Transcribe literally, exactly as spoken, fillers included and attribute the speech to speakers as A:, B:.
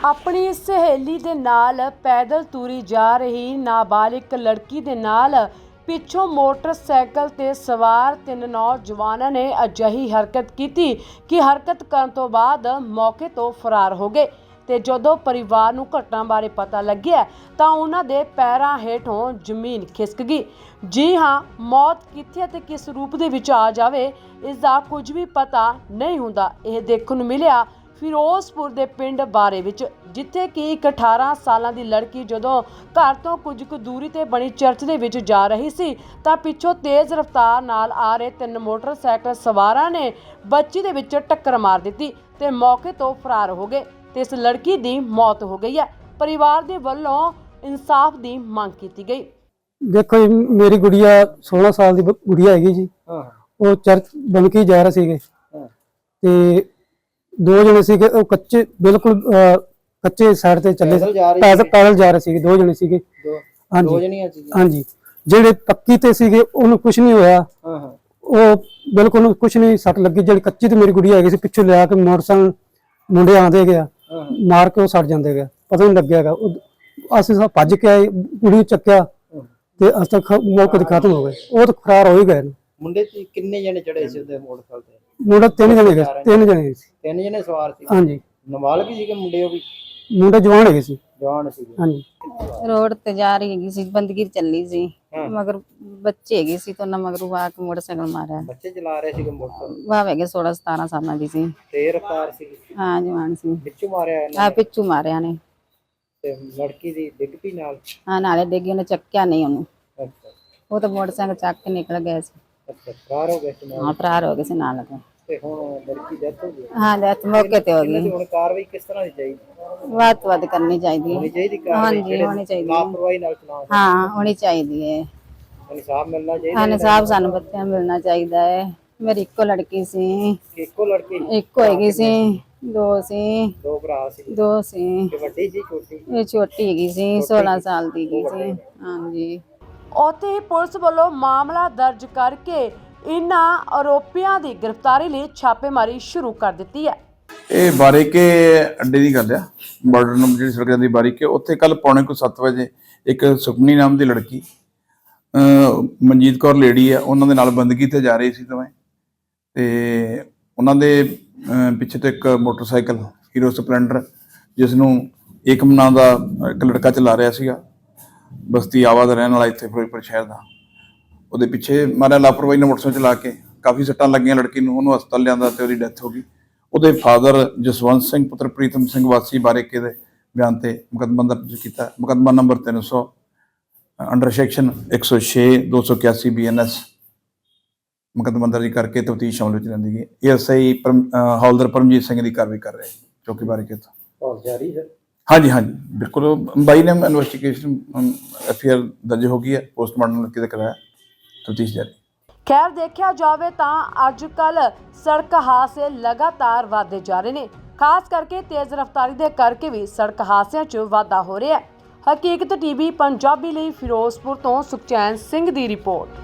A: ਆਪਣੀ ਸਹੇਲੀ ਦੇ ਨਾਲ ਪੈਦਲ ਤੁਰੀ ਜਾ ਰਹੀ ਨਾਬਾਲਿਗ ਲੜਕੀ ਦੇ ਨਾਲ ਪਿੱਛੋਂ ਮੋਟਰਸਾਈਕਲ ਤੇ ਸਵਾਰ ਤਿੰਨ ਨੌਜਵਾਨਾਂ ਨੇ ਅਜਿਹੀ ਹਰਕਤ ਕੀਤੀ ਕਿ ਹਰਕਤ ਕਰਨ ਤੋਂ ਬਾਅਦ ਮੌਕੇ ਤੋਂ ਫਰਾਰ ਹੋ ਗਏ ਤੇ ਜਦੋਂ ਪਰਿਵਾਰ ਨੂੰ ਘਟਨਾ ਬਾਰੇ ਪਤਾ ਲੱਗਿਆ ਤਾਂ ਉਹਨਾਂ ਦੇ ਪੈਰਾਂ ਹੇਠੋਂ ਜ਼ਮੀਨ ਖਿਸਕ ਗਈ। ਜੀ ਹਾਂ, ਮੌਤ ਕਿੱਥੇ ਅਤੇ ਕਿਸ ਰੂਪ ਦੇ ਵਿੱਚ ਆ ਜਾਵੇ ਇਸ ਦਾ ਕੁਝ ਵੀ ਪਤਾ ਨਹੀਂ ਹੁੰਦਾ। ਇਹ ਦੇਖਣ ਨੂੰ ਮਿਲਿਆ ਫਿਰੋਜ਼ਪੁਰ ਦੇ ਪਿੰਡ ਬਾਰੇ ਵਿੱਚ, ਜਿੱਥੇ ਕਿ ਇੱਕ ਅਠਾਰਾਂ ਸਾਲਾਂ ਦੀ ਲੜਕੀ ਜਦੋਂ ਘਰ ਤੋਂ ਕੁਝ ਕੁ ਦੂਰੀ ਤੇ ਬਣੀ ਚਰਚ ਦੇ ਵਿੱਚ ਜਾ ਰਹੀ ਸੀ ਤਾਂ ਪਿੱਛੋਂ ਤੇਜ਼ ਰਫ਼ਤਾਰ ਨਾਲ ਆ ਰਹੇ ਤਿੰਨ ਮੋਟਰਸਾਈਕਲ ਸਵਾਰਾਂ ਨੇ ਬੱਚੀ ਦੇ ਵਿੱਚ ਟੱਕਰ ਮਾਰ ਦਿੱਤੀ ਤੇ ਮੌਕੇ ਤੋਂ ਫਰਾਰ ਹੋ ਗਏ ਤੇ ਇਸ ਲੜਕੀ ਦੀ ਮੌਤ ਹੋ ਗਈ ਹੈ। ਪਰਿਵਾਰ ਦੇ ਵੱਲੋਂ ਇਨਸਾਫ ਦੀ ਮੰਗ ਕੀਤੀ ਗਈ।
B: देखो जी, मेरी गुड़िया सोलह साल की गुड़िया हैगी जी। वो चर्च बन के जा रहे सीगे ते दो जने सीगे वो कच्चे बिल्कुल कच्चे साइड ते चले पैदल पैदल जा रहे सीगे दो जने सीगे। हाँ जी हाँ जी जेड़े पक्की ते सीगे उन्हें कुछ नहीं होया, वो बिल्कुल कुछ नहीं सट लगी। जेड़ी कच्ची ते मेरी गुड़िया हैगी सी पिछों लिया के मोटरसाइकिल मुंडे आंदे गया मार के वो सड़ जांदे गया, पता नहीं लग्या। असीं सब भज के आए, कुड़ी चक्या ਤੇ ਅਸ ਤੱਕ ਮੌਕੇ ਤੇ ਖਤਮ ਹੋ ਗਏ। ਉਹ ਤਾਂ ਫਰਾਰ ਹੋ ਹੀ ਗਏ ਨੇ।
C: ਮੁੰਡੇ ਤੇ ਕਿੰਨੇ ਜਣੇ ਚੜੇ ਸੀ ਉਹਦੇ ਮੋਟਰਸਾਈਕਲ ਤੇ?
B: ਮੁੰਡਾ ਤਿੰਨ ਜਣੇ ਗਏ, ਤਿੰਨ ਜਣੇ ਸੀ।
C: ਤਿੰਨ ਜਣੇ ਸਵਾਰ ਸੀ?
B: ਹਾਂਜੀ।
C: ਨਾਬਾਲਗ ਸੀਗੇ ਮੁੰਡੇ? ਉਹ ਵੀ
B: ਮੁੰਡਾ ਜਵਾਨ ਹੈਗੇ ਸੀ।
C: ਜਵਾਨ ਸੀਗੇ।
B: ਹਾਂਜੀ।
D: रोड ते जा रही हैगी सी, बंदगी चली सी मगर बच्चे हैगे सी तो ना मगर वो आके मोटरसाइकिल मारा।
C: ਬੱਚੇ ਚਲਾ ਰਹੇ ਸੀਗੇ ਮੋਟਰਸਾਈਕਲ?
D: वह हैगे सोलह सतारह साल दी सी।
C: ਤੇ ਰਫਤਾਰ ਸੀ?
D: हाँ जवान सी।
C: ਵਿੱਚੋਂ ਮਾਰਿਆ
D: आ
C: ਇਹਨਾਂ ਨੇ?
D: पिछू मारिया ने।
C: ਤੇ ਲੜਕੀ ਦੀ ਡਿੱਗ ਪਈ ਨਾਲ?
D: हाँ नाले डिग्गी ने चक्या नहीं ओनू,
C: ਅੱਛਾ
D: वो तो मोटरसाइकिल चक के निकल गए सी।
C: ਅੱਛਾ ਫਰਾਰ ਹੋ ਗਏ ਸੀ ਨਾਲ?
D: हाँ फरार हो गए सी नाल के।
C: ਤੇ ਹੁਣ ਲੜਕੀ ਡੈਥ ਹੋ ਗਈ?
D: हाँ डेथ मौके ते हो
C: ਇਹਨਾਂ ਦੀ
D: गई।
C: ਹੁਣ ਕਾਰਵਾਈ ਕਿਸ ਤਰ੍ਹਾਂ ਦੀ ਚਾਹੀਦੀ?
D: ਵੱਧ ਤੋਂ ਵੱਧ ਕਰਨੀ ਚਾਹੀਦੀ
C: ਹੋਣੀ
D: है।
C: ਚਾਹੀਦੀ
D: हाँ
C: ਕਾਰਵਾਈ?
D: जी
C: ਜਿਹੜੇ
D: होनी चाहिए।
C: ਲਾਪਰਵਾਹੀ ਨਾਲ ਚਲਾਉਂਦੇ
D: हाँ होनी चाहिए है।
C: ਇਨਸਾਫ ਮਿਲਣਾ ਚਾਹੀਦਾ।
D: हाँ इंसाफ सानू बच्चों मिलना चाहिए है। मेरी इक्को लड़की सी,
C: ਇੱਕੋ ਲੜਕੀ?
D: इक्को हैगी सी, दो सी
C: ਦੋ ਭਰਾ ਸੀ?
D: दो सी।
C: ਤੇ ਵੱਡੀ ਸੀ ਛੋਟੀ?
D: ਇਹ ਛੋਟੀ ਹੈਗੀ ਸੀ, सोलह ਸਾਲ ਦੀ ਹੈਗੀ ਸੀ। ਹਾਂਜੀ।
A: ਉੱਥੇ ਹੀ ਪੁਲਿਸ ਵੱਲੋਂ ਮਾਮਲਾ ਦਰਜ ਕਰਕੇ ਇਨ੍ਹਾਂ ਆਰੋਪੀਆਂ ਦੀ ਗ੍ਰਿਫਤਾਰੀ ਲਈ ਛਾਪੇਮਾਰੀ ਸ਼ੁਰੂ ਕਰ ਦਿੱਤੀ ਹੈ।
E: ਇਹ ਬਾਰੀਕੇ ਅੱਡੇ ਦੀ ਗੱਲ ਆ, ਬਾਰਡਰ ਨੂੰ ਜਿਹੜੀ ਸੜਕ ਜਾਂਦੀ ਬਾਰੀਕੇ, ਉੱਥੇ ਕੱਲ ਪੌਣੇ ਕੁ ਸੱਤ ਵਜੇ ਇੱਕ ਸੁਖਨੀ ਨਾਮ ਦੀ ਲੜਕੀ ਮਨਜੀਤ ਕੌਰ ਲੇਡੀ ਆ, ਉਹਨਾਂ ਦੇ ਨਾਲ ਬੰਦਗੀ ਤੇ ਜਾ ਰਹੀ ਸੀ ਦੋਵੇਂ। ਤੇ ਉਹਨਾਂ ਦੇ ਪਿੱਛੇ ਤੋਂ ਇੱਕ ਮੋਟਰਸਾਈਕਲ ਹੀਰੋ ਸਪਲੈਂਡਰ, ਜਿਸ ਨੂੰ ਏਕਮ ਨਾਂ ਦਾ ਇੱਕ ਲੜਕਾ ਚਲਾ ਰਿਹਾ ਸੀਗਾ, ਬਸਤੀ ਆਵਾ ਦਾ ਰਹਿਣ ਵਾਲਾ ਇੱਥੇ ਫਿਰੋਜ਼ਪੁਰ ਸ਼ਹਿਰ ਦਾ, ਉਹਦੇ ਪਿੱਛੇ ਮਾਰਿਆ ਲਾਪਰਵਾਹੀ ਨਾਲ ਮੋਟਰਸਾਈਕਲ ਚਲਾ ਕੇ। ਕਾਫੀ ਸੱਟਾਂ ਲੱਗੀਆਂ ਲੜਕੀ ਨੂੰ, ਉਹਨੂੰ ਹਸਪਤਾਲ ਲਿਆਂਦਾ ਤੇ ਉਹਦੀ ਡੈਥ ਹੋ ਗਈ। ਉਹਦੇ ਫਾਦਰ ਜਸਵੰਤ ਸਿੰਘ ਪੁੱਤਰ ਪ੍ਰੀਤਮ ਸਿੰਘ ਵਾਸੀ ਬਾਰੀਕੇ ਦੇ ਬਿਆਨ ਤੇ ਮੁਕੱਦਮਾ ਦਰਜ ਕੀਤਾ। ਮੁਕੱਦਮਾ ਨੰਬਰ ਤਿੰਨ ਸੌ ਅੰਡਰ ਸੈਕਸ਼ਨ ਇੱਕ ਸੌ ਛੇ ਦੋ ਸੌ ਇਕਿਆਸੀ ਬੀ ਐਨ ਐਸ ਮੁਕੱਦਮਾ ਦਰਜ ਕਰਕੇ ਤਫਤੀਸ਼ ਅਮਲ ਵਿੱਚ ਲੈਂਦੀ ਗਈ। ਇਹ ਐਸ ਆਈ ਹੌਲਦਾਰ ਪਰਮਜੀਤ ਸਿੰਘ ਦੀ ਕਾਰਵਾਈ ਕਰ ਰਹੇ ਚੌਕੀ ਬਾਰੀਕੇ ਤੋਂ।
C: ਹੋਰ ਜਾਰੀ ਹੈ? ਹਾਂਜੀ
E: ਹਾਂਜੀ ਬਿਲਕੁਲ। ਬਾਈ ਨੇ ਇਨਵੈਸਟੀਗੇਸ਼ਨ ਐਫ ਆਈ ਆਰ ਦਰਜ ਹੋ ਗਈ ਹੈ, ਪੋਸਟਮਾਰਟਮ ਕਿਤੇ ਕਰਾਇਆ, ਤਫਤੀਸ਼ ਜਾਰੀ।
A: ਖੈਰ, ਦੇਖਿਆ ਜਾਵੇ ਤਾਂ ਅੱਜ ਕੱਲ ਸੜਕ ਹਾਦਸੇ ਲਗਾਤਾਰ ਵਧਦੇ ਜਾ ਰਹੇ ਨੇ, ਖਾਸ ਕਰਕੇ ਤੇਜ਼ ਰਫ਼ਤਾਰੀ ਦੇ ਕਰਕੇ ਵੀ ਸੜਕ ਹਾਦਸਿਆਂ 'ਚ ਵਾਧਾ ਹੋ ਰਿਹਾ ਹੈ। ਹਕੀਕਤ ਟੀਵੀ ਪੰਜਾਬੀ ਲਈ ਫਿਰੋਜ਼ਪੁਰ ਤੋਂ ਸੁਖਚੈਨ ਸਿੰਘ ਦੀ ਰਿਪੋਰਟ।